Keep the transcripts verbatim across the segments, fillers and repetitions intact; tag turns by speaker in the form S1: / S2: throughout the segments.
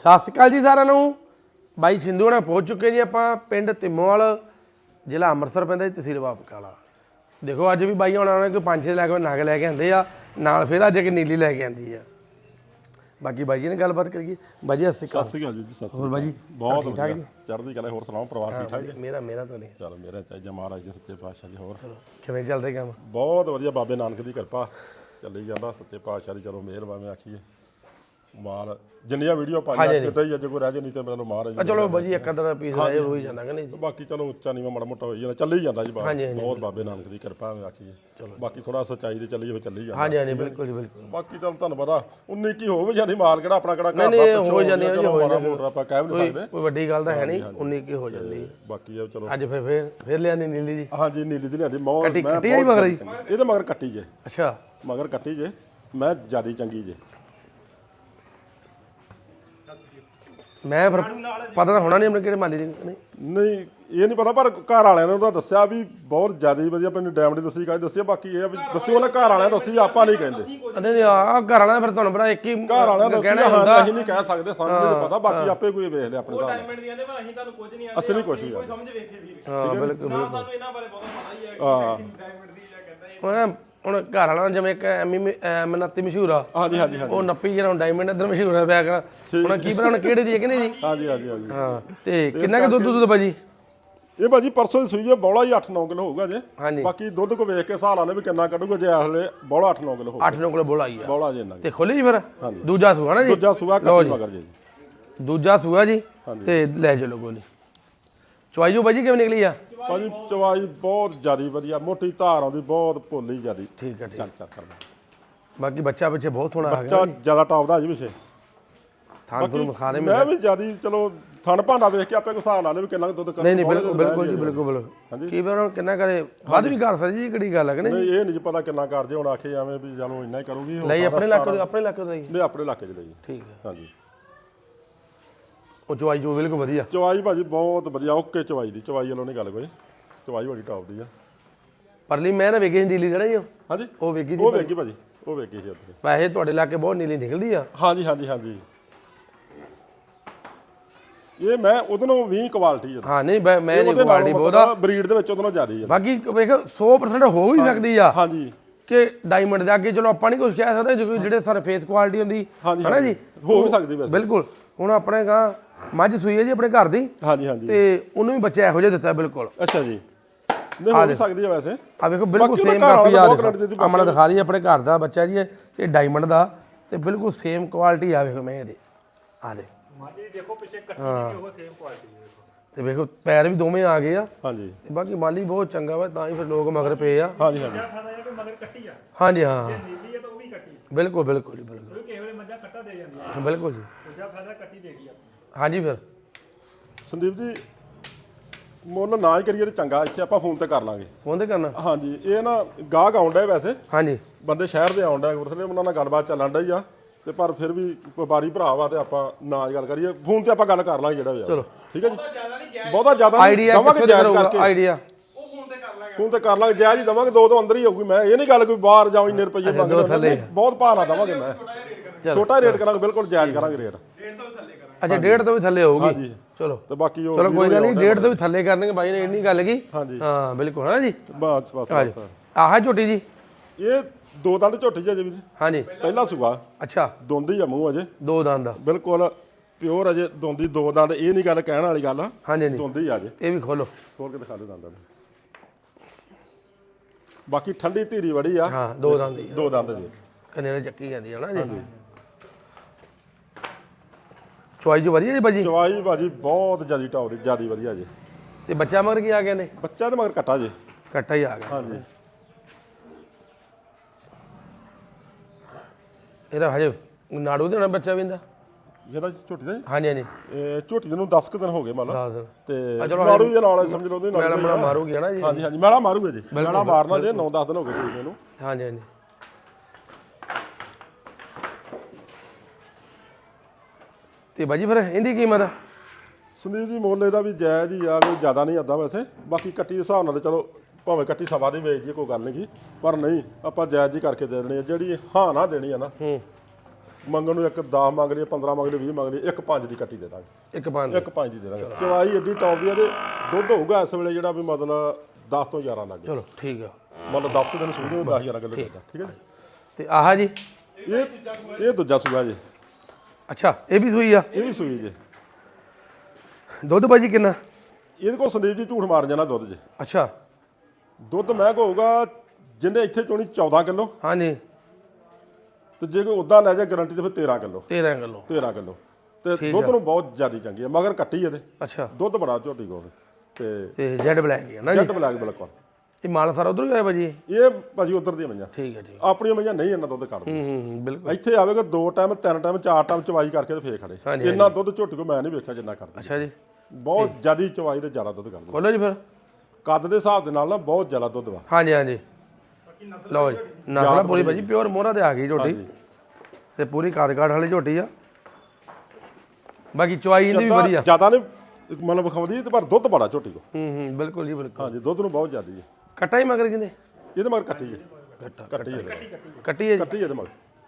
S1: ਸਤਿ ਸ਼੍ਰੀ ਅਕਾਲ ਜੀ ਸਾਰਿਆਂ ਨੂੰ। ਬਾਈ ਸਿੰਧੂ ਨਾਲ ਪਹੁੰਚ ਚੁੱਕੇ ਜੀ ਆਪਾਂ ਪਿੰਡ ਤਿੰਮੋਵਾਲ, ਜ਼ਿਲ੍ਹਾ ਅੰਮ੍ਰਿਤਸਰ ਪੈਂਦਾ ਜੀ, ਤਹਿਸੀਲ ਬਾਪਕਾਲਾ। ਦੇਖੋ ਅੱਜ ਵੀ ਬਾਈ ਹੋਣਾ ਨੇ ਕੋਈ ਪੰਜ ਛੇ ਲੈ ਕੇ ਨਗ ਲੈ ਕੇ ਆਂਦੇ ਆ ਨਾਲ, ਫਿਰ ਅੱਜ ਇੱਕ ਨੀਲੀ ਲੈ ਕੇ ਆਂਦੀ ਆ। ਬਾਕੀ ਬਾਈ ਜੀ ਨੇ ਗੱਲਬਾਤ ਕਰੀਏ। ਬਾਈ ਜੀ ਸਤਿ
S2: ਸਤਿ ਸ਼੍ਰੀ ਅਕਾਲ ਜੀ। ਸਤਿ
S1: ਹੋਰ ਬਾਈ ਜੀ
S2: ਬਹੁਤ ਵਧੀਆ, ਚੜ੍ਹਦੀ ਕਲਾ। ਹੋਰ ਸੁਣਾਓ, ਪਰਿਵਾਰ ਠੀਕ ਠਾਕ ਜੀ?
S1: ਮੇਰਾ ਮੇਰਾ ਤਾਂ ਨਹੀਂ,
S2: ਚਲ ਮੇਰਾ ਚਾਹੀਦਾ ਮਹਾਰਾਜ ਦੇ ਸੱਚੇ ਪਾਤਸ਼ਾਹ ਦੀ। ਹੋਰ
S1: ਕਿਵੇਂ ਚੱਲਦੇ ਕੰਮ?
S2: ਬਹੁਤ ਵਧੀਆ, ਬਾਬੇ ਨਾਨਕ ਦੀ ਕਿਰਪਾ ਚੱਲੀ ਜਾਂਦਾ, ਸੱਚੇ ਪਾਤਸ਼ਾਹ ਦੀ ਚਲੋ ਮਿਹਰ ਭਾਵੇਂ ਆਖੀਏ। ਮਾਲ ਜਿੰਨੀਆਂ ਵੀਡੀਓ ਪਾਈਆਂ ਕਿਤੇ ਹੀ ਅੱਜ ਕੋਈ ਰਹਿ ਜੇ, ਨਹੀਂ ਤੇ ਮੈਨੂੰ ਮਹਾਰਾਜ
S1: ਚਲੋ ਬਾਈ ਜੀ ਇੱਕ ਅੱਧਾ ਪੀਸ ਰਹਿ ਹੋ ਹੀ ਜਾਂਦਾ ਕਿ ਨਹੀਂ?
S2: ਬਾਕੀ ਚਲੋ ਉੱਚਾ ਨੀਵਾਂ ਮਾੜਾ ਮੋਟਾ ਹੋਈ ਜਾਂਦਾ, ਚੱਲੀ ਜਾਂਦਾ ਜੀ। ਬਹੁਤ ਬਾਬੇ ਨਾਨਕ ਦੀ ਕਿਰਪਾ ਆਖੀਏ। ਬਾਕੀ ਥੋੜਾ ਸੱਚਾਈ ਤੇ ਚੱਲੀ ਹੋਵੇ, ਚੱਲੀ ਜਾਂਦਾ।
S1: ਹਾਂਜੀ ਹਾਂਜੀ ਬਿਲਕੁਲ ਜੀ ਬਿਲਕੁਲ।
S2: ਬਾਕੀ ਤਾਂ ਤੁਹਾਨੂੰ ਪਤਾ ਉਨੀ ਕੀ ਹੋਵੇ ਜਾਂਦੀ, ਮਾਲ ਕਿਹੜਾ ਆਪਣਾ ਕਿਹੜਾ
S1: ਨਹੀਂ ਨਹੀਂ ਹੋ ਜਾਂਦੀ ਹੈ ਜੀ, ਹੋ
S2: ਮਾੜਾ ਮੋਟਾ ਆਪਾਂ ਕਹਿ ਵੀ ਨਹੀਂ ਸਕਦੇ,
S1: ਕੋਈ ਵੱਡੀ ਗੱਲ ਤਾਂ ਹੈ ਨਹੀਂ, ਉਨੀ ਕੀ ਹੋ ਜਾਂਦੀ।
S2: ਬਾਕੀ ਇਹ ਚਲੋ
S1: ਅੱਜ ਫਿਰ ਫਿਰ ਫਿਰ ਲਿਆਣੀ ਨੀਲੀ ਜੀ।
S2: ਹਾਂਜੀ ਨੀਲੀ ਦੀ ਲਿਆਂਦੀ ਮੌਤ।
S1: ਕੱਟੀ ਕੱਟੀ ਆਈ ਮਗਰ ਜੀ?
S2: ਇਹਦੇ ਮਗਰ ਕੱਟੀ ਜੇ।
S1: ਅੱਛਾ
S2: ਮਗਰ ਕੱਟੀ ਜੇ, ਮੈਂ ਜਿਆਦੀ ਚੰਗੀ ਜੇ।
S1: ਮੈਂ ਫਿਰ ਪਤਾ ਤਾਂ ਹੋਣਾ ਨਹੀਂ ਆਪਣੇ ਕਿਹੜੇ ਮਾਲੀ ਦੀ ਨਹੀਂ
S2: ਨਹੀਂ ਇਹ ਨਹੀਂ ਪਤਾ, ਪਰ ਘਰ ਵਾਲਿਆਂ ਨੇ ਉਹਦਾ ਦੱਸਿਆ ਵੀ ਬਹੁਤ ਜ਼ਿਆਦਾ ਵਧੀਆ। ਮੈਨੂੰ ਡਾਇਮੰਡ ਦੱਸੀ ਕਾਹ ਦੱਸਿਆ, ਬਾਕੀ ਇਹ ਵੀ ਦੱਸਿਓ ਉਹਨੇ ਘਰ ਵਾਲਿਆਂ ਦੱਸੀ, ਆਪਾਂ ਨਹੀਂ ਕਹਿੰਦੇ।
S1: ਨਹੀਂ ਆ ਘਰ ਵਾਲਿਆਂ ਫਿਰ ਤੁਹਾਨੂੰ ਪਤਾ ਇੱਕ ਹੀ
S2: ਘਰ ਵਾਲਿਆਂ ਦਾ ਕਹਿਣਾ ਹੁੰਦਾ, ਅਸੀਂ ਨਹੀਂ ਕਹਿ ਸਕਦੇ, ਸਾਨੂੰ ਨਹੀਂ ਪਤਾ। ਬਾਕੀ ਆਪੇ ਕੋਈ ਵੇਖ ਲਿਆ ਆਪਣੇ ਹਿਸਾਬ ਨਾਲ।
S3: ਡਾਇਮੰਡ ਦੀਆਂ ਨੇ ਪਰ ਅਸੀਂ ਤੁਹਾਨੂੰ ਕੁਝ ਨਹੀਂ ਆਂਦੇ,
S2: ਅਸੀਂ ਨਹੀਂ ਕੁਝ ਵੀ
S3: ਕੋਈ ਸਮਝ ਵੇਖੇ ਵੀਰ।
S1: ਹਾਂ ਬਿਲਕੁਲ
S3: ਨਾ ਸਾਨੂੰ ਇਹਨਾਂ ਬਾਰੇ ਬਹੁਤ ਪਤਾ ਹੀ ਹੈ ਕਿ ਡਾਇਮੰਡ ਦੀ ਜਾਂ ਕਹਿੰਦਾ
S1: ਹੁਣ ਹੁਣ ਘਰ ਵਾਲਾ ਜਿਵੇਂ ਇੱਕ ਐਮੀ ਮਨੱਤੀ ਮਸ਼ਹੂਰ ਆ।
S2: ਹਾਂਜੀ ਹਾਂਜੀ ਹਾਂਜੀ
S1: ਉਹ ਨੱਪੀ ਜਿਹੜਾ ਡਾਇਮੰਡ ਇੱਧਰ ਮਸ਼ਹੂਰ ਹੈ ਪਿਆ ਕਰ। ਹੁਣ ਕੀ ਪਤਾ ਹੁਣ ਕਿਹੜੇ ਦੀ ਹੈ ਕਿ ਨਹੀਂ ਜੀ?
S2: ਹਾਂਜੀ ਹਾਂਜੀ ਹਾਂਜੀ
S1: ਹਾਂ ਤੇ ਕਿੰਨਾ ਕੁ ਦੁੱਧ ਦੁੱਧ ਭਾਜੀ?
S2: ਇਹ ਭਾਜੀ ਪਰਸੋਂ ਦੀ ਸੂਈ ਹੈ, ਬੌਲਾ ਹੀ ਅੱਠ ਨੌ ਕਿਲੋ ਹੋਊਗਾ ਜੇ।
S1: ਹਾਂਜੀ
S2: ਬਾਕੀ ਦੁੱਧ ਕੋ ਵੇਖ ਕੇ ਹਿਸਾਬ ਲਾ ਲੈ ਵੀ ਕਿੰਨਾ ਕੱਢੂਗਾ। ਜੇ ਹਲੇ ਬੌਲਾ ਅੱਠ ਨੌ ਕਿਲੋ ਹੋਊਗਾ,
S1: ਅੱਠ ਨੌ ਕਿਲੋ ਬੋਲਾ ਹੀ ਆ
S2: ਬੌਲਾ ਜੇ ਇੰਨਾ
S1: ਤੇ ਖੋਲੀ ਜੀ ਫਿਰ ਦੂਜਾ ਸੂਆ ਨਾ ਜੀ?
S2: ਦੂਜਾ ਸੂਆ ਕੱਟੀ ਮਗਰ ਜੇ ਜੀ।
S1: ਦੂਜਾ ਸੂਆ ਜੀ ਤੇ ਲੈ ਚਲੋ ਗੋਲੀ। ਚੁਆਈ ਜੋ ਭਾਜੀ ਕਿਵੇਂ ਨਿਕਲੀ ਆ?
S2: ਭਾਜੀ ਚਵਾਈ ਬਹੁਤ ਜ਼ਿਆਦੀ ਵਧੀਆ, ਮੋਟੀ ਧਾਰ ਆਉਂਦੀ, ਬਹੁਤ ਭੋਲੀ ਜ਼ਿਆਦੀ।
S1: ਠੀਕ ਹੈ ਠੀਕ।
S2: ਚੱਲ ਚੱਲ ਕਰਦਾ।
S1: ਬਾਕੀ ਬੱਚਾ ਪਿੱਛੇ ਬਹੁਤ ਸੋਹਣਾ ਆ ਗਿਆ,
S2: ਬੱਚਾ ਜ਼ਿਆਦਾ ਟੌਪ ਦਾ ਜੀ ਪਿੱਛੇ।
S1: ਥਾਂ ਤੁਹਾਨੂੰ ਵਿਖਾ ਦੇ।
S2: ਮੈਂ ਵੀ ਜ਼ਿਆਦੀ ਚਲੋ ਥਣ ਭਾਂਡਾ ਵੇਖ ਕੇ ਆਪੇ ਕੋ ਹਿਸਾਬ ਲਾ ਲੈ ਵੀ ਕਿੰਨਾ ਦੁੱਧ ਕਰ।
S1: ਨਹੀਂ ਨਹੀਂ ਬਿਲਕੁਲ ਬਿਲਕੁਲ ਜੀ ਬਿਲਕੁਲ ਬਿਲਕੁਲ। ਕੀ ਪਤਾ ਕਿੰਨਾ ਕਰੇ, ਵੱਧ ਵੀ ਕਰ ਸਕਦੀ ਜੀ, ਕਿਹੜੀ ਗੱਲ ਹੈ ਕਿ ਨਹੀਂ?
S2: ਨਹੀਂ ਇਹ ਨਹੀਂ ਪਤਾ ਕਿੰਨਾ ਕਰ ਜੇ। ਹੁਣ ਆਖੇ ਐਵੇਂ ਵੀ ਚਲੋ ਇੰਨਾ ਹੀ ਕਰੂਗੀ।
S1: ਲਈ ਆਪਣੇ ਇਲਾਕੇ ਆਪਣੇ ਇਲਾਕੇ ਦਾ ਜੀ?
S2: ਨਹੀਂ ਆਪਣੇ ਇਲਾਕੇ 'ਚ ਲਈ।
S1: ਠੀਕ ਹੈ
S2: ਹਾਂਜੀ
S1: ਉਹ ਚਵਾਈ ਜੋ ਬਿਲਕੁਲ ਵਧੀਆ।
S2: ਚਵਾਈ ਭਾਜੀ ਬਹੁਤ ਵਧੀਆ, ਓਕੇ ਚਵਾਈ ਦੀ। ਚਵਾਈ ਵੱਲੋਂ ਨਹੀਂ ਗੱਲ ਕੋਈ, ਚਵਾਈ ਬੜੀ ਟੌਪ ਦੀ ਆ।
S1: ਪਰਲੀ ਮੈਂ ਨਾ ਵੇਖੀ ਨੀਲੀ ਜਿਹੜਾ ਜੀ
S2: ਹਾਂਜੀ
S1: ਉਹ ਵੇਖੀ ਸੀ।
S2: ਉਹ ਵੇਖੀ ਭਾਜੀ, ਉਹ ਵੇਖੀ ਸੀ ਉੱਥੇ।
S1: ਵੈਸੇ ਤੁਹਾਡੇ ਇਲਾਕੇ ਬਹੁਤ ਨੀਲੀ ਨਿਕਲਦੀ ਆ।
S2: ਹਾਂਜੀ ਹਾਂਜੀ ਹਾਂਜੀ ਇਹ ਮੈਂ ਉਹਦੇ ਨਾਲੋਂ ਵੀਹ ਕੁਆਲਿਟੀ ਆ।
S1: ਹਾਂ ਨਹੀਂ ਮੈਂ ਨਹੀਂ ਕੁਆਲਿਟੀ ਬਹੁਤਾ
S2: ਬਰੀਡ ਦੇ ਵਿੱਚ ਉਹਦੇ ਨਾਲੋਂ ਜ਼ਿਆਦਾ ਹੀ ਆ।
S1: ਬਾਕੀ ਵੇਖ ਸੌ ਪਰਸੈਂਟ ਹੋ ਵੀ ਸਕਦੀ ਆ
S2: ਹਾਂਜੀ
S1: ਕਿ ਡਾਇਮੰਡ ਦੇ ਅੱਗੇ ਚਲੋ ਆਪਾਂ ਨਹੀਂ ਕੁਝ ਕਹਿ ਸਕਦੇ, ਜਿਹੜੇ ਸਾਰੇ ਫੇਸ ਕੁਆਲਿਟੀ ਹੁੰਦੀ ਹੈ ਨਾ ਜੀ,
S2: ਹੋ ਵੀ ਸਕਦੀ ਵੈਸੇ।
S1: ਬਿਲਕੁਲ। ਹੁਣ ਆਪਣੇ ਗਾਂ ਮੱਝ ਸੂਈ ਹੈ ਜੀ ਆਪਣੇ ਘਰ ਦੀ,
S2: ਹਾਂਜੀ ਹਾਂਜੀ
S1: ਤੇ ਉਹਨੂੰ ਵੀ ਬੱਚਾ ਇਹੋ ਜਿਹਾ ਦਿੱਤਾ ਬਿਲਕੁਲ।
S2: ਅੱਛਾ ਜੀ, ਨਹੀਂ ਹੋ ਵੀ ਸਕਦੀ ਆ ਵੈਸੇ।
S1: ਆ ਵੇਖੋ ਬਿਲਕੁਲ ਸੇਮ ਕਾਪੀ ਆ ਅਮਨ ਦਿਖਾ ਰਹੀ ਆਪਣੇ ਘਰ ਦਾ ਬੱਚਾ ਜੀ, ਇਹ ਡਾਇਮੰਡ ਦਾ, ਤੇ ਬਿਲਕੁਲ ਸੇਮ ਕੁਆਲਿਟੀ ਆ। ਵੇਖੋ ਮੈਂ ਇਹਦੇ ਆ ਦੇ
S3: ਮਾਜੀ ਦੇਖੋ ਪਿੱਛੇ ਕੱਟੀ ਵੀ ਉਹ ਸੇਮ ਕੁਆਲਿਟੀ ਹੈ।
S1: ਤੇ ਵੇਖੋ ਪੈਰ ਵੀ ਦੋਵੇਂ ਆ ਗਏ ਆ।
S2: ਹਾਂਜੀ
S1: ਤੇ ਬਾਕੀ ਮਾਲੀ ਬਹੁਤ ਚੰਗਾ ਵਾ, ਤਾਂ ਹੀ ਫਿਰ ਲੋਕ ਮਗਰ ਪਏ ਆ।
S2: ਹਾਂਜੀ ਹਾਂਜੀ
S3: ਮਗਰ ਕੱਟੀ ਆ।
S1: ਹਾਂਜੀ ਹਾਂ
S3: ਨੀਲੀ ਹੈ ਤਾਂ ਉਹ ਵੀ ਕੱਟੀ।
S1: ਬਿਲਕੁਲ ਬਿਲਕੁਲ ਜੀ ਬਿਲਕੁਲ।
S3: ਕਿਸੇ ਵੇਲੇ ਮੱਝਾਂ ਕੱਟਾ ਦੇ ਜਾਂਦੀਆਂ,
S1: ਬਿਲਕੁਲ ਜੀ।
S3: ਦੂਜਾ ਫਾਇਦਾ ਕੱਟੀ ਦੇਗੀ ਆਪਣੀ।
S1: ਹਾਂਜੀ ਫਿਰ
S2: ਸੰਦੀਪ ਜੀ ਮੁੱਲ ਨਾ ਹੀ ਕਰੀਏ ਤੇ ਚੰਗਾ, ਇੱਥੇ ਆਪਾਂ ਫੋਨ ਤੇ ਕਰ ਲਾਂਗੇ।
S1: ਫੋਨ ਤੇ ਕਰਨਾ?
S2: ਹਾਂਜੀ ਇਹ ਨਾ ਗਾਹਕ ਆਉਂਦਾ ਵੈਸੇ,
S1: ਹਾਂਜੀ
S2: ਬੰਦੇ ਸ਼ਹਿਰ ਦੇ ਆਉਂਦਾ, ਉਸਲੇ ਉਹਨਾਂ ਨਾਲ ਗੱਲਬਾਤ ਚੱਲਣ ਡਈ ਆ, ਤੇ ਪਰ ਫਿਰ ਵੀ ਵਪਾਰੀ ਭਰਾ ਵਾ ਤੇ ਆਪਾਂ ਨਾ ਗੱਲ ਕਰੀਏ, ਫੋਨ ਤੇ ਆਪਾਂ ਗੱਲ ਕਰ ਲਾਂਗੇ ਜਿਹੜਾ ਵੀ ਆ।
S1: ਚਲੋ
S2: ਠੀਕ ਹੈ ਜੀ। ਬਹੁਤਾ ਜ਼ਿਆਦਾ
S1: ਆਈਡੀਆ
S2: ਦਵਾਂਗੇ ਜਾਇਜ਼ ਕਰਕੇ,
S1: ਆਈਡੀਆ
S3: ਉਹ ਫੋਨ ਤੇ ਕਰ ਲਾਂਗੇ।
S2: ਫੋਨ ਤੇ ਕਰ ਲਾਂਗੇ, ਜਾਇਜ਼ ਹੀ ਦਵਾਂਗੇ। ਦੋ ਤੋਂ ਅੰਦਰ ਹੀ ਹੋਊਗੀ। ਮੈਂ ਇਹ ਨਹੀਂ ਗੱਲ ਕੋਈ ਬਾਹਰ ਜਾਉਂ ਇੰਨੇ ਰੁਪਏ ਮੰਗਦੇ, ਬਹੁਤ ਭਾਅ ਨਾ ਦਵਾਂਗੇ। ਮੈਂ ਛੋਟਾ ਰੇਟ ਕਰਾਂਗੇ, ਬਿਲਕੁਲ ਜਾਇਜ਼ ਕਰਾਂਗੇ ਰੇਟ।
S3: ਡੇਢ ਤੋਂ ਵੀ ਥੱਲੇ ਕਰਾਂਗੇ।
S1: ਅੱਛਾ ਡੇਢ ਤੋਂ ਵੀ ਥੱਲੇ ਹੋਊਗੀ?
S2: ਹਾਂਜੀ
S1: ਚਲੋ
S2: ਤੇ ਬਾਕੀ ਉਹ
S1: ਚਲੋ ਕੋਈ ਗੱਲ ਨਹੀਂ, ਡੇਢ ਤੋਂ ਵੀ ਥੱਲੇ ਕਰਨਗੇ ਬਾਈ ਨੇ, ਇੰਨੀ ਗੱਲ ਕੀ।
S2: ਹਾਂਜੀ
S1: ਹਾਂ ਬਿਲਕੁਲ ਹੈ ਜੀ।
S2: ਬਸ ਬਸ ਬਸ
S1: ਆਹ ਝੋਟੀ ਜੀ
S2: ਇਹ ਦੋ ਦੰਦ ਝੋਟੀ ਜੀ ਅਜੇ ਵੀ।
S1: ਹਾਂਜੀ
S2: ਪਹਿਲਾ ਸੂਆ।
S1: ਅੱਛਾ
S2: ਦੋਂਦੀ ਆ ਮੂੰਹ ਅਜੇ,
S1: ਦੋ ਦੰਦ ਦਾ
S2: ਬਿਲਕੁਲ ਪਿਓਰ ਅਜੇ ਦੋਂਦੀ। ਦੋ ਦੰਦ ਇਹ ਨਹੀਂ ਗੱਲ ਕਹਿਣ ਵਾਲੀ ਗੱਲ ਆ,
S1: ਹਾਂਜੀ ਹਾਂਜੀ
S2: ਦੋਂਦੀ ਆ ਅਜੇ।
S1: ਇਹ ਵੀ ਖੋਲੋ,
S2: ਖੋਲ ਕੇ ਦਿਖਾ ਦੇ ਦੰਦਾਂ ਨੂੰ। ਬਾਕੀ ਠੰਡੀ ਧੀਰੀ ਬੜੀ ਆ।
S1: ਹਾਂ ਦੋ ਦੰਦ ਹੀ
S2: ਦੋ ਦੰਦ ਜੀ,
S1: ਕਨੇਰੇ ਚੱਕੀ ਜਾਂਦੀ ਹੈ ਨਾ ਜੀ। ਚੁਆਈ ਜੋ ਵਧੀਆ ਜੀ ਬਾਜੀ?
S2: ਚਵਾਈ ਭਾਜੀ ਬਹੁਤ ਜਿਆਦੀ ਟੌਪ ਦੀ, ਜਿਆਦੀ ਵਧੀਆ ਜੀ।
S1: ਤੇ ਬੱਚਾ ਮਗਰ ਕੀ ਆ ਗਿਆ ਨੇ?
S2: ਬੱਚਾ ਤੇ ਮਗਰ ਕੱਟਾ ਜੀ।
S1: ਕੱਟਾ ਹੀ ਆ ਗਿਆ।
S2: ਹਾਂਜੀ
S1: ਇਹਦਾ ਹਜੇ ਨਾੜੂ ਦੇ ਨਾਲ ਬੱਚਾ ਵੀ ਇਹਦਾ?
S2: ਇਹਦਾ ਝੋਟੀ ਦਾ ਜੀ,
S1: ਹਾਂਜੀ ਹਾਂਜੀ
S2: ਇਹ ਝੋਟੀ ਦੇ ਨੂੰ ਦਸ ਕੁ ਦਿਨ ਹੋ ਗਏ ਮੰਨ ਲਾ,
S1: ਦੱਸ ਦਿਨ।
S2: ਤੇ ਨਾੜੂ ਜੀ ਨਾਲ ਸਮਝ ਲਓ ਉਹਦੇ ਨਾਲ
S1: ਮੈਲਾ ਮੈਲਾ ਮਾਰੂਗੀ ਨਾ ਜੀ?
S2: ਹਾਂਜੀ ਹਾਂਜੀ ਮੈਲਾ ਮਾਰੂਗਾ ਜੀ, ਮੈਲਾ ਮਾਰਨਾ ਜੇ ਨੌ ਦਸ ਦਿਨ ਹੋ ਗਏ ਸੀ ਇਹਨੂੰ।
S1: ਹਾਂਜੀ ਹਾਂਜੀ ਤੇ ਬਾਜੀ ਫਿਰ ਇਹਦੀ ਕੀਮਤ?
S2: ਸੰਦੀਪ ਜੀ ਮੁੱਲ ਇਹਦਾ ਵੀ ਜਾਇਜ਼ ਹੀ ਆ, ਕੋਈ ਜ਼ਿਆਦਾ ਨਹੀਂ ਆਉਂਦਾ ਵੈਸੇ। ਬਾਕੀ ਕੱਟੀ ਦੇ ਹਿਸਾਬ ਨਾਲ ਚਲੋ ਭਾਵੇਂ ਕੱਟੀ ਸਵਾ ਦੀ ਵੇਚ ਦੀ ਕੋਈ ਗੱਲ ਨਹੀਂ ਗੀ, ਪਰ ਨਹੀਂ ਆਪਾਂ ਜਾਇਜ਼ ਹੀ ਕਰਕੇ ਦੇ ਦੇਣੀ ਆ। ਜਿਹੜੀ ਹਾਂ ਨਾ ਦੇਣੀ ਆ ਨਾ,
S1: ਹੂੰ
S2: ਮੰਗਣ ਨੂੰ ਇੱਕ ਦਸ ਮੰਗ ਲਈ ਪੰਦਰਾਂ ਮੰਗ ਲਈ ਵੀਹ ਮੰਗ ਲਈ ਇੱਕ ਪੰਜ ਦੀ ਕੱਟੀ ਦੇ ਦਾਂਗੇ
S1: ਇੱਕ ਪੰਜ
S2: ਇੱਕ ਪੰਜ ਦੀ ਦੇ ਦਾਂਗੇ ਚਵਾਈ ਏਡੀ ਟੌਪ ਦੀ ਆ ਤੇ ਦੁੱਧ ਹੋਊਗਾ ਇਸ ਵੇਲੇ ਜਿਹੜਾ ਵੀ ਮਤਲਬ ਦਸ ਤੋਂ ਗਿਆਰਾਂ ਲੱਗ
S1: ਚਲੋ ਠੀਕ ਆ
S2: ਮਤਲਬ ਦਸ ਕੁ ਦਿਨ ਸੂਈ ਨੂੰ ਦਸ ਗਿਆਰਾਂ ਕਿਲੋ ਦਿੰਦਾ ਠੀਕ ਹੈ
S1: ਤੇ ਆਹ ਜੀ
S2: ਜੀ ਇਹ ਇਹ ਦੂਜਾ ਸੂਆ ਜੀ
S1: ਅੱਛਾ ਇਹ ਵੀ ਸੂਈ ਆ
S2: ਇਹ ਵੀ ਸੂਈ ਜੀ
S1: ਦੁੱਧ ਭਾਜੀ ਕਿੰਨਾ
S2: ਇਹਦੇ ਕੋਲ ਸੰਦੀਪ ਜੀ ਝੂਠ ਮਾਰ ਜਾਣਾ ਦੁੱਧ ਜੀ
S1: ਅੱਛਾ
S2: ਦੁੱਧ ਮੈਂ ਹੋਊਗਾ ਜਿੰਨੇ ਇੱਥੇ ਚੋਣੀ ਚੌਦਾਂ ਕਿਲੋ
S1: ਹਾਂਜੀ
S2: ਤੇ ਜੇ ਕੋਈ ਉਦਾਂ ਲੈ ਜਾ ਗਾਰੰਟੀ ਤੇ ਫਿਰ ਤੇਰਾਂ ਕਿਲੋ
S1: ਤੇਰਾਂ ਕਿਲੋ
S2: ਤੇਰਾਂ ਕਿਲੋ ਤੇ ਦੁੱਧ ਨੂੰ ਬਹੁਤ ਜ਼ਿਆਦਾ ਚੰਗੀ ਹੈ ਮਗਰ ਕੱਟੀ ਇਹਦੇ
S1: ਅੱਛਾ
S2: ਦੁੱਧ ਬੜਾ ਝੋਟੀ ਕੋਲ ਤੇ
S1: ਤੇ ਜੈਡ ਬਲੈਕ ਹੀ ਆ ਨਾ ਜੀ
S2: ਜੱਟ ਬਲੈਕ ਬਿਲਕੁਲ
S1: ਇਹ ਮਾਲ ਸਾਰਾ ਉਧਰ ਹੀ ਆਇਆ ਭਾਜੀ
S2: ਇਹ ਭਾਜੀ ਉਧਰ ਦੀਆਂ ਮਈਆਂ
S1: ਠੀਕ ਹੈ ਠੀਕ
S2: ਆਪਣੀਆਂ ਮਈਆਂ ਨਹੀਂ ਇੰਨਾ ਦੁੱਧ ਕੱਢਦੇ
S1: ਹੂੰ ਹੂੰ ਬਿਲਕੁਲ
S2: ਇੱਥੇ ਆਵੇਗਾ ਦੋ ਟਾਈਮ ਤਿੰਨ ਟਾਈਮ ਚਾਰ ਟਾਈਮ ਚਵਾਈ ਕਰਕੇ ਤੇ ਫੇਰ ਖੜੇ
S1: ਹਾਂਜੀ,
S2: ਇੰਨਾ ਦੁੱਧ ਝੋਟੀ ਕੋ ਮੈਂ ਨਹੀਂ ਵੇਖਿਆ ਜਿੰਨਾ ਕਰਦੇ
S1: ਅੱਛਾ ਜੀ
S2: ਬਹੁਤ ਜ਼ਿਆਦਾ ਚਵਾਈ ਤੇ ਜ਼ਿਆਦਾ ਦੁੱਧ ਕਰਦੇ
S1: ਖੋਲੋ ਜੀ ਫਿਰ
S2: ਕੱਦ ਦੇ ਹਿਸਾਬ ਦੇ ਨਾਲ ਨਾ ਬਹੁਤ ਜ਼ਿਆਦਾ ਦੁੱਧ ਵਾ
S1: ਹਾਂਜੀ ਹਾਂਜੀ ਲਓ ਜੀ ਨਸਲ ਪੂਰੀ ਭਾਜੀ ਪਿਓਰ ਮੋਹਰਾ ਤੇ ਆ ਗਈ ਝੋਟੀ
S2: ਹਾਂਜੀ।
S1: ਤੇ ਪੂਰੀ ਕਾਦ ਕਾਠ ਵਾਲੀ ਝੋਟੀ ਆ ਬਾਕੀ ਚੁਆਈ ਇਹਦੀ ਵੀ ਵਧੀਆ
S2: ਜ਼ਿਆਦਾ ਨਹੀਂ ਮਤਲਬ ਵਿਖਾਉਂਦੀ ਤੇ ਪਰ ਦੁੱਧ ਬੜਾ ਝੋਟੀ ਕੋ
S1: ਹੂੰ ਹੂੰ ਬਿਲਕੁਲ ਜੀ ਬਿਲਕੁਲ
S2: ਹਾਂਜੀ ਦੁੱਧ ਨੂੰ ਬਹੁਤ ਜ਼ਿਆਦਾ ਹੈ
S1: ਕੱਟਾ ਹੀ ਮਗਰ ਜਿੰਦੇ
S2: ਇਹਦੇ ਮਗਰ ਕੱਟੀ ਹੈ
S1: ਕੱਟਾ
S2: ਕੱਟੀ ਹੈ
S1: ਕੱਟੀ ਹੈ ਜੀ
S2: ਕੱਟੀ ਇਹਦੇ ਮਗਰ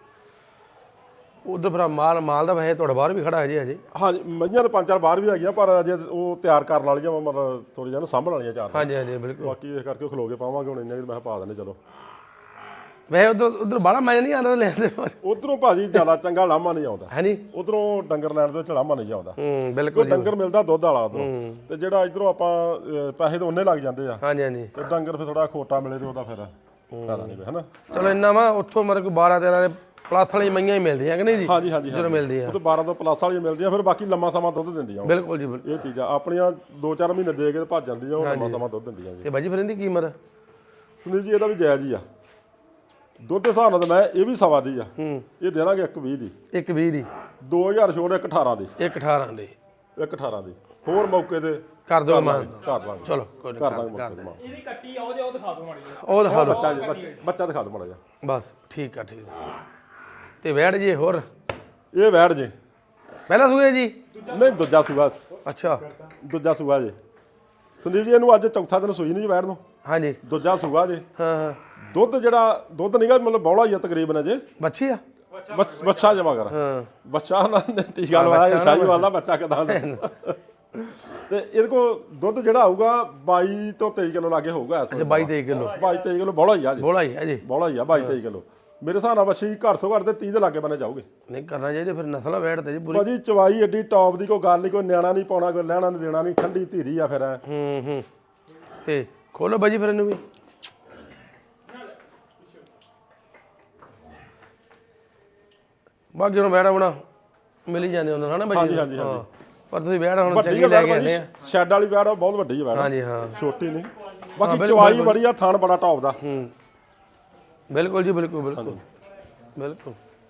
S1: ਉਧਰ ਫਿਰ ਮਾਲ ਮਾਲ ਦਾ ਵੈਸੇ ਤੁਹਾਡੇ ਬਾਹਰ ਵੀ ਖੜਾ ਹੈ ਜੀ ਅਜੇ
S2: ਹਾਂਜੀ ਮਈਆਂ ਤਾਂ ਪੰਜ ਚਾਰ ਬਾਹਰ ਵੀ ਹੈਗੀਆਂ ਪਰ ਅਜੇ ਉਹ ਤਿਆਰ ਕਰਨ ਵਾਲੀਆਂ ਵਾ, ਮਤਲਬ ਥੋੜੀ ਜਿਹਾ ਨਾ ਸਾਂਭਣ ਵਾਲੀਆਂ ਚਾਰ
S1: ਹਾਂਜੀ ਹਾਂਜੀ ਬਿਲਕੁਲ ਬਾਕੀ
S2: ਇਸ ਕਰਕੇ ਖਲੋ ਕੇ ਪਾਵਾਂਗੇ ਹੁਣ ਇੰਨੇ ਮੈਂ ਕਿਹਾ ਪਾ ਦਿੰਦੇ ਚਲੋ
S1: ਵੈਸੇ ਉਧਰ ਉਧਰ ਬਾਹਲਾ ਮਜ਼ਾ ਨਹੀਂ ਆਉਂਦਾ ਲੈਣ ਦੇ
S2: ਉਧਰੋਂ ਭਾਜੀ ਜ਼ਿਆਦਾ ਚੰਗਾ ਲਾਮਾ ਨਹੀਂ ਆਉਂਦਾ
S1: ਹੈ ਨਹੀਂ
S2: ਉਧਰੋਂ ਡੰਗਰ ਲੈਣ ਦੇ ਵਿੱਚ ਲਾਮਾ ਨਹੀਂ ਆਉਂਦਾ
S1: ਹੂੰ
S2: ਕੋਈ
S1: ਬਿਲਕੁਲ
S2: ਡੰਗਰ ਮਿਲਦਾ ਦੁੱਧ ਵਾਲਾ ਉਧਰੋਂ ਤੇ ਜਿਹੜਾ ਇਧਰੋਂ ਆਪਾਂ ਅਹ, ਪੈਸੇ ਤਾਂ ਉਹਨੇ ਲੱਗ ਜਾਂਦੇ ਆ
S1: ਹਾਂਜੀ ਹਾਂਜੀ
S2: ਤੇ ਡੰਗਰ ਫਿਰ ਥੋੜਾ ਖੋਟਾ ਮਿਲੇ ਤੇ ਉਹਦਾ ਫਿਰ ਫਾਇਦਾ ਨਹੀਂ ਹੈ ਨਾ
S1: ਚਲੋ ਇੰਨਾ ਵਾ ਉੱਥੋਂ ਮਰ ਕੋਈ ਬਾਰਾਂ ਤੇਰਾਂ ਦੇ ਪਲੱਸ ਵਾਲੀ ਮਈਆਂ ਹੀ ਮਿਲਦੀਆਂ ਕਿ ਨਹੀਂ ਜੀ
S2: ਹਾਂਜੀ ਹਾਂਜੀ
S1: ਜਦੋਂ ਮਿਲਦੀ ਆ
S2: ਉਹ ਤਾਂ ਬਾਰਾਂ ਤੋਂ ਪਲੱਸ ਵਾਲੀਆਂ ਮਿਲਦੀਆਂ ਫਿਰ ਬਾਕੀ ਲੰਮਾ ਸਮਾਂ ਦੁੱਧ ਦਿੰਦੀਆਂ ਉਹ।
S1: ਬਿਲਕੁਲ ਜੀ ਬਿਲਕੁਲ
S2: ਇਹ ਚੀਜ਼ਾਂ ਆਪਣੀਆਂ ਦੋ ਚਾਰ ਮਹੀਨੇ ਦੇ ਕੇ ਤੇ ਭੱਜ ਜਾਂਦੀਆਂ ਉਹ ਲੰਮਾ ਸਮਾਂ ਦੁੱਧ ਦਿੰਦੀਆਂ ਜੀ
S1: ਤੇ ਬਾਜੀ ਫਿਰ ਇਹਦੀ ਕੀਮਤ
S2: ਸੁਨੀਲ ਜੀ ਇਹਦਾ ਵੀ ਜਾਇਜ਼ ਹੀ ਆ ਦੁੱਧ ਦੇ ਹਿਸਾਬ ਨਾਲ ਤਾਂ ਮੈਂ ਇਹ ਵੀ ਸਵਾ ਦੀ ਆ
S1: ਹੂੰ
S2: ਇਹ ਦੇਣਾਗੇ ਇੱਕ ਵੀਹ ਦੀ
S1: ਇੱਕ ਵੀਹ ਦੀ
S2: ਦੋ ਹਜ਼ਾਰ ਛੋੜ ਇੱਕ ਅਠਾਰਾਂ ਦੀ
S1: ਇੱਕ ਅਠਾਰਾਂ ਦੇ
S2: ਇੱਕ ਅਠਾਰਾਂ ਦੀ ਹੋਰ ਮੌਕੇ ਤੇ
S1: ਕਰ ਦਿਓ ਮਾਨ
S2: ਕਰ ਲਾਂਗੇ
S1: ਚਲੋ ਕੋਈ ਨਹੀਂ
S2: ਕਰ
S1: ਕਰ
S2: ਦਾਂਗੇ
S1: ਕਰ
S2: ਮੌਕੇ ਤੇ ਮਾਂ।
S3: ਇਹਦੀ ਕੱਟੀ ਆ ਉਹਦੇ ਉਹ ਦਿਖਾ ਦਿਓ ਮਾੜੀ ਜਿਹੀ।
S1: ਉਹ ਦਿਖਾ ਦਿਓ
S2: ਬੱਚਾ ਜੀ ਬੱਚਾ- ਬੱਚਾ ਦਿਖਾ ਦੋ ਮਾੜਾ ਜਿਹਾ
S1: ਬਸ ਠੀਕ ਆ ਠੀਕ ਆ ਤੇ ਵੈੜ ਜੀ ਹੋਰ
S2: ਇਹ ਵੈੜ ਜੀ
S1: ਪਹਿਲਾ ਸੂਏ ਜੀ
S2: ਨਹੀਂ ਦੂਜਾ ਸੂਆ
S1: ਅੱਛਾ
S2: ਦੂਜਾ ਸੂਆ ਜੀ ਸੰਦੀਪ ਜੀ ਇਹਨੂੰ ਅੱਜ ਚੌਥਾ ਦਿਨ ਸੂਈ ਨਹੀਂ ਜੀ ਵੈੜ ਨੂੰ
S1: ਹਾਂਜੀ
S2: ਦੂਜਾ ਸੂਆ ਜੀ
S1: ਹਾਂ ਹਾਂ
S2: ਦੁੱਧ ਜਿਹੜਾ ਦੁੱਧ ਨਹੀਂਗਾ ਮਤਲਬ ਬੌਲਾ ਹੀ ਆ ਤਕਰੀਬਨ ਅਜੇ
S1: ਬੱਚੀ ਆ
S2: ਬੱਚ- ਬੱਚਾ ਜਮਾ ਕਰ
S1: ਹਾਂ
S2: ਬੱਚਾ ਨਾ ਟੀਕਾ ਲਵਾਇਆ ਸ਼ਾਹੀ ਵਾਲਾ ਬੱਚਾ ਕਿਦਾਂ ਤੇ ਇਹਦੇ ਕੋ ਦੁੱਧ ਜਿਹੜਾ ਆਊਗਾ ਬਾਈ ਤੋਂ ਤੇਈ ਕਿਲੋ ਲਾਗੇ ਹੋਊਗਾ ਇਸ
S1: ਅੱਛਾ ਬਾਈ ਤੇਈ ਕਿਲੋ
S2: ਬਾਈ ਤੇਈ ਕਿਲੋ ਬੌਲਾ ਹੀ ਆ ਜੀ
S1: ਬੋਲਾ ਹੀ ਹੈ ਜੀ
S2: ਬੌਲਾ ਹੀ ਆ ਬਾਈ ਤੇਈ ਕਿਲੋ ਮੇਰੇ ਹਿਸਾਬ ਨਾਲ ਬੱਚੀ ਘਰ ਸੋ ਘਰ ਤੇ ਤੀਹ ਦੇ ਲਾਗੇ ਬਣੇ ਜਾਊਗੇ
S1: ਨਹੀਂ ਕਰਨਾ ਚਾਹੀਦਾ ਫਿਰ ਨਸਲ ਵੈੜ ਤੇ ਜੀ ਪੂਰੀ
S2: ਭਾਜੀ ਚਵਾਈ ਏਡੀ ਟੌਪ ਦੀ ਕੋਈ ਗੱਲ ਨਹੀਂ ਕੋਈ ਨਿਆਣਾ ਨਹੀਂ ਪਾਉਣਾ ਕੋਈ ਲੈਣਾ ਨਹੀਂ ਦੇਣਾ ਨਹੀਂ ਠੰਡੀ ਧੀਰੀ ਆ ਫਿਰ ਐਂ।
S1: ਹੂੰ ਹੂੰ ਤੇ ਖੋਲੋ ਬਾਜੀ ਫਿਰ ਇਹਨੂੰ ਵੀ ਬਾਕੀ ਹੁਣ ਵੈੜਾ ਬਣਾ ਮਿਲ ਹੀ ਜਾਂਦੇ ਹੁੰਦੇ ਹਨਾ ਬਾਜੀ
S2: ਹਾਂਜੀ, ਹਾਂਜੀ, ਹਾਂਜੀ।
S1: ਹਾਂ। ਪਰ ਤੁਸੀਂ ਵੈੜਾ ਹੁਣ
S2: ਵੱਡੀ
S1: ਚੰਗੀ
S2: ਆ
S1: ਲੈ
S2: ਵੈੜ
S1: ਕੇ ਆਨੇ
S2: ਭਾਜੀ
S1: ਆ
S2: ਸ਼ੈੱਡ ਵਾਲੀ ਵੈੜ ਆ, ਬਹੁਤ ਵੱਡੀ ਆ ਵੈੜ
S1: ਹਾਂਜੀ ਹਾਂ
S2: ਛੋਟੀ ਨਹੀਂ ਬਾਕੀ ਚਵਾਈ ਬੜੀ ਆ ਥਣ ਬੜਾ ਟੌਪ ਦਾ
S1: ਹੂੰ ਬਿਲਕੁਲ ਜੀ ਬਿਲਕੁਲ ਬਿਲਕੁਲ ਬਿਲਕੁਲ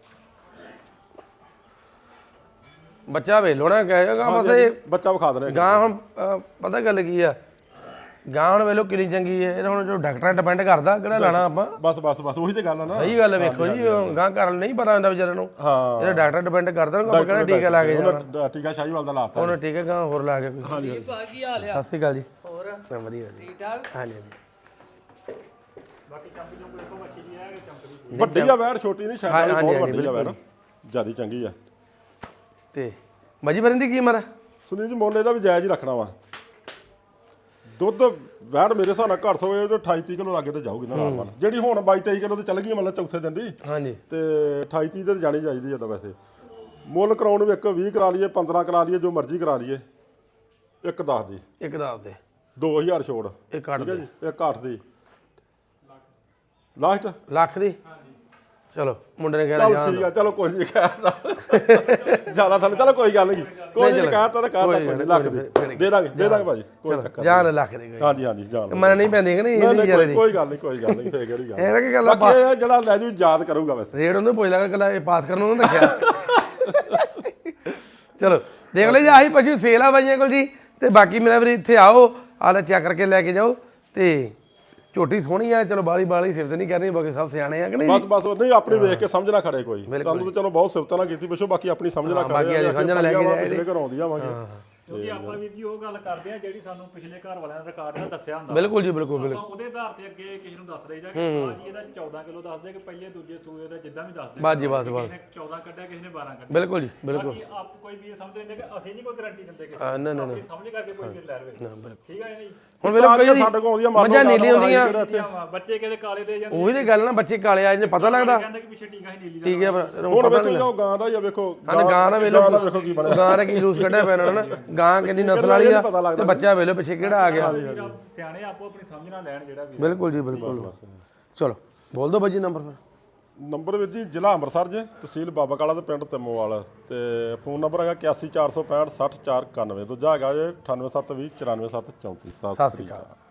S1: ਬੱਚਾ ਵੇਲੋਣਾ ਕਹੇਗਾ ਮਤਲਬ
S2: ਬੱਚਾ ਵਿਖਾ ਦਨੇ
S1: ਗਾਂ ਹੁਣ ਅਹ, ਪਤਾ ਗੱਲ ਕੀ ਆ ਗਾਂ ਹੁਣ ਵੇਲੋ ਕਿੰਨੀ ਚੰਗੀ ਹੈ ਇਹ ਹੁਣ ਜੋ ਡਾਕਟਰਾਂ ਡਿਪੈਂਡ ਕਰਦਾ ਕਿਹੜਾ ਲਾਣਾ ਆਪਾਂ
S2: ਬਸ ਬਸ ਬਸ ਉਹੀ ਤੇ ਗੱਲ ਆ ਨਾ
S1: ਸਹੀ ਗੱਲ ਹੈ ਵੇਖੋ ਜੀ ਗਾਂ ਘਰ ਨਹੀਂ ਪਤਾ ਹੁੰਦਾ ਵਿਚਾਰੇ ਨੂੰ
S2: ਹਾਂ
S1: ਇਹਦਾ ਡਾਕਟਰ ਡਿਪੈਂਡ ਕਰਦਾ ਨਾ ਆਪਾਂ ਕਿਹੜਾ ਟੀਕਾ ਲਾ ਕੇ ਜਾਣਾ
S2: ਉਹਨੇ ਟੀਕਾ ਸ਼ਾਹੀਵਾਲ ਦਾ ਲਾਤਾ
S1: ਉਹਨੇ ਟੀਕਾ ਗਾਂ ਹੋਰ ਲਾ ਕੇ ਕੋਈ
S2: ਹਾਂਜੀ
S4: ਪਾ ਕੀ ਹਾਲ ਆ
S1: ਸਤਿ ਸ਼੍ਰੀ ਅਕਾਲ ਜੀ
S4: ਹੋਰ
S1: ਹਾਂ, ਵਧੀਆ ਜੀ
S4: ਠੀਕ ਠਾਕ
S1: ਹਾਂਜੀ ਹਾਂਜੀ
S3: ਬਾਕੀ ਚੰਪੀ ਨੂੰ ਕੋਈ ਮੱਛੀ ਦੀ ਹੈ ਕਿ ਚੰਪੀ
S2: ਵੱਡੀ ਆ ਵੈੜ ਛੋਟੀ ਨਹੀਂ ਸ਼ੈੱਡ ਵਾਲੀ
S1: ਹਾਂਜੀ,
S2: ਬਹੁਤ
S1: ਹਾਂਜੀ,
S2: ਵੱਡੀ ਆ ਵੈੜ ਜਿਆਦੀ ਚੰਗੀ ਆ
S1: ਤੇ ਬਾਜੀ ਫਿਰ ਇਹਦੀ ਕੀਮਤ
S2: ਸੁਨੀਲ ਜੀ ਮੁੱਲ ਇਹਦਾ ਵੀ ਜਾਇਜ਼ ਹੀ ਰੱਖਣਾ ਵਾ ਦੁੱਧ ਵੈੜ ਮੇਰੇ ਹਿਸਾਬ ਨਾਲ ਘਰ ਸੋਏ ਤੇ ਅਠਾਈ ਤੀਹ ਕਿਲੋ ਲਾਗੇ ਤੇ ਜਾਊਗੀ ਨਾ ਨਾਲ ਜਿਹੜੀ ਹੁਣ ਬਾਈ ਤੇਈ ਕਿਲੋ ਤੇ ਚੱਲ ਗਈ ਮਤਲਬ ਚੌਥੇ ਦਿਨ ਦੀ
S1: ਹਾਂਜੀ
S2: ਤੇ ਅਠਾਈ ਤੀਹ ਤੇ ਜਾਣੀ ਚਾਹੀਦੀ ਆ ਤਾਂ ਵੈਸੇ ਮੁੱਲ ਕਰਾਉਣ ਨੂੰ ਇੱਕ ਵੀਹ ਕਰਾ ਲਈਏ ਪੰਦਰਾਂ ਕਰਾ ਲਈਏ ਜੋ ਮਰਜ਼ੀ ਕਰਾ ਲਈਏ ਇੱਕ ਦਸ ਦੀ
S1: ਇੱਕ ਦਾਬ ਦੇ
S2: ਦੋ ਹਜ਼ਾਰ ਛੋੜ
S1: ਇੱਕ ਕੱਢ
S2: ਠੀਕ ਹੈ
S1: ਦੇ
S2: ਜੀ ਇੱਕ ਅੱਠ ਦੀ ਲਾਸਟ
S1: ਲੱਖ ਦੀ ਚਲੋ ਮੁੰਡੇ ਨੇ ਕਹਿਣਾ
S2: ਚਲ
S1: ਜਾਣ
S2: ਠੀਕ ਆ ਚਲੋ ਕੋਈ ਨਹੀਂ ਕਹਿਤਾ ਜਿਆਦਾ ਥੱਲੇ ਚਲੋ ਕੋਈ ਗੱਲ ਨਹੀਂ ਕੋਈ ਨਹੀਂ ਕਹਿਤਾ ਤਾਂ ਕਹਿਤਾ ਕੋਈ ਨਹੀਂ ਲੱਖ ਦੀ ਦੇ ਦਾਂਗੇ ਦੇ ਦਾਂਗੇ ਭਾਜੀ ਕੋਈ ਚੱਕਰ
S1: ਜਾਨ ਲੱਖ ਦੇ ਕੋਈ
S2: ਹਾਂਜੀ ਹਾਂਜੀ ਜਾਣ ਲਓ।
S1: ਮਨ ਨਹੀਂ ਪੈਂਦੀ ਕਿ ਨਹੀਂ
S2: ਨਹੀਂ,
S1: ਇਹਦੀ
S2: ਨਹੀਂ,
S1: ਵਿਚਾਰੇ
S2: ਕੋਈ
S1: ਦੀ
S2: ਕੋਈ ਗੱਲ ਨਹੀਂ ਕੋਈ ਗੱਲ ਨਹੀਂ ਫੇਰ ਕਿਹੜੀ ਗੱਲ
S1: ਇਹ ਨਾ ਕੀ ਗੱਲ ਆ,
S2: ਬਾਕੀ ਇਹ ਜਿਹੜਾ ਲੈ ਜੂ ਯਾਦ ਕਰੂਗਾ ਵੈਸੇ
S1: ਰੇਡ ਉਹਨੂੰ ਪੁੱਛ ਲਗਾ ਕਿ ਇਹ ਪਾਸ ਕਰਨ ਨੂੰ ਰੱਖਿਆ ਚਲੋ ਦੇਖ ਲਓ ਜੀ ਆਹੀ ਪਸ਼ੂ ਸੇਲ ਆ ਬਾਈਆਂ ਕੋਲ ਜੀ ਤੇ ਬਾਕੀ ਮੇਰਾ ਵੀਰ ਇੱਥੇ ਆਓ ਆਲਾ ਚੈੱਕ ਕਰਕੇ ਲੈ ਕੇ ਜਾਓ ਤੇ ਝੋਟੀ ਸੋਹਣੀ ਆ ਚਲੋ ਬਾਲੀ ਬਾਲੀ ਸਿਫਤ ਨਹੀਂ ਕਰਨੀ ਬਾਕੀ ਸਭ ਸਿਆਣੇ ਆ ਕਿ ਨਹੀਂ
S2: ਬਸ ਬਸ ਨਹੀਂ ਆਪਣੀ ਵੇਖ ਕੇ ਸਮਝ ਨਾ ਖੜੇ ਕੋਈ ਤੁਹਾਨੂੰ ਤਾਂ ਚਲੋ ਬਹੁਤ ਸਿਫਤਾਂ ਨਾਲ ਕੀਤੀ ਪਿਛੋ ਬਾਕੀ ਆਪਣੀ ਸਮਝ ਨਾ
S1: ਬਾਕੀ
S2: ਖੜੇ
S1: ਅੱਜ ਸਮਝ ਨਾਲ ਲੈ ਕੇ ਜਾਏ
S2: ਜਿਹੜੇ ਘਰੋਂ ਆਉਂਦੀਆਂ ਆਵਾਂਗੇ
S3: ਕਿਉਂਕਿ ਆਪਾਂ ਵੀਰ ਜੀ ਉਹ ਗੱਲ ਕਰਦੇ ਆ ਜਿਹੜੀ ਸਾਨੂੰ ਪਿਛਲੇ ਘਰ ਵਾਲਿਆਂ ਨੇ ਰਿਕਾਰਡ ਨਾਲ ਦੱਸਿਆ ਹੁੰਦਾ
S1: ਬਿਲਕੁਲ ਜੀ ਬਿਲਕੁਲ ਬਿਲਕੁਲ
S3: ਆਪਾਂ ਉਹਦੇ ਆਧਾਰ ਤੇ ਅੱਗੇ ਕਿਸੇ ਨੂੰ ਦੱਸ ਰਹੀਦਾ ਕਿ ਹਾਂ ਜੀ ਇਹਦਾ ਚੌਦਾਂ ਕਿਲੋ ਦੱਸਦੇ ਕਿ ਪਹਿਲੇ ਦੂਜੇ ਸੂਏ ਦਾ ਜਿੱਦਾਂ ਵੀ ਦੱਸਦੇ
S1: ਬਸ ਜੀ ਬਸ ਬਸ
S3: ਕਿਸੇ ਨੇ ਚੌਦਾਂ ਕੱਢਿਆ ਕਿਸੇ ਨੇ ਬਾਰਾਂ ਕੱਢਿਆ
S1: ਬਿਲਕੁਲ ਜੀ ਬਿਲਕੁਲ
S3: ਬਾਕੀ ਆਪ ਕੋਈ ਵੀ ਸਮਝਦੇ ਨੇ ਕਿ ਅਸੀਂ ਨਹੀਂ ਕੋਈ ਗਾਰੰਟੀ ਦਿੰਦੇ ਕਿਸੇ
S1: ਹਾਂ, ਨਾ, ਨਾ,
S3: ਨੂੰ ਆਪਣੀ ਸਮਝ ਕਰਕੇ ਕੋਈ ਵੀ ਲੈ ਰਵੇ ਠੀਕ ਹੈ ਨਹੀਂ
S1: ਹੁਣ ਵੇਲੇ ਕਈ
S2: ਸਾਡੇ ਕੋਲ ਆਉਂਦੀਆਂ ਮੰਨ
S1: ਮੱਝਾਂ
S2: ਲਓ
S1: ਨੀਲੀ ਹੁੰਦੀਆਂ
S3: ਦੀਆਂ ਬੱਚੇ ਕਿਹਦੇ ਕਾਲੇ ਦੇ ਜਾਂਦੇ
S1: ਉਹੀ ਤੇ ਗੱਲ ਨਾ ਬੱਚੇ ਕਾਲੇ ਆ ਜਾਂਦੇ ਪਤਾ ਲੱਗਦਾ
S3: ਕਹਿੰਦੇ ਕਿ ਪਿੱਛੇ ਟੀਕਾ ਹੀ ਨੀਲੀ ਦਾ
S1: ਠੀਕ ਹੈ ਪਰ
S2: ਹੁਣ ਵੇਖੋ ਜੀ ਉਹ ਗਾਂ ਦਾ ਹੀ ਆ ਵੇਖੋ
S1: ਹਾਂ ਗਾਂ ਦਾ ਵੇਲੋ
S2: ਗਾਂ ਦਾ ਵੇਖੋ ਕੀ ਬਣਿਆ
S1: ਗਾਂ ਦਾ ਕੀ ਜੂਸ ਕੱਢਿਆ ਪਿਆ ਇਹਨਾਂ ਨੇ ਨਾ ਗਾਂ ਕਿੰਨੀ ਨਸਲ ਵਾਲੀ ਆ ਤੇ ਬੱਚਾ ਵੇਲੋ ਪਿੱਛੇ ਕਿਹੜਾ ਆ ਗਿਆ
S3: ਸਿਆਣੇ ਆਪੋ ਆਪਣੀ ਸਮਝ ਨਾਲ ਲੈਣ ਜਿਹੜਾ ਵੀ
S1: ਬਿਲਕੁਲ ਜੀ ਬਿਲਕੁਲ ਚਲੋ ਬੋਲ ਦੋ ਬਾਜੀ ਨੰਬਰ ਫਿਰ
S2: ਨੰਬਰ ਵੀਰ ਜੀ ਜ਼ਿਲ੍ਹਾ ਅੰਮ੍ਰਿਤਸਰ ਜੇ ਤਹਿਸੀਲ ਬਾਬਾ ਕਾਲਾ ਤੇ ਪਿੰਡ ਤਿੰਮੋਵਾਲ ਤੇ ਫੋਨ ਨੰਬਰ ਹੈਗਾ ਇਕਾਸੀ ਚਾਰ ਸੌ ਪੈਂਹਠ ਸੱਠ ਚਾਰ ਇਕਾਨਵੇਂ ਦੂਜਾ ਹੈਗਾ ਜੇ ਅਠਾਨਵੇਂ ਸੱਤ ਵੀਹ ਚੁਰਾਨਵੇਂ ਸੱਤ ਚੌਂਤੀ
S1: ਸਤਿ ਸ਼੍ਰੀ ਅਕਾਲ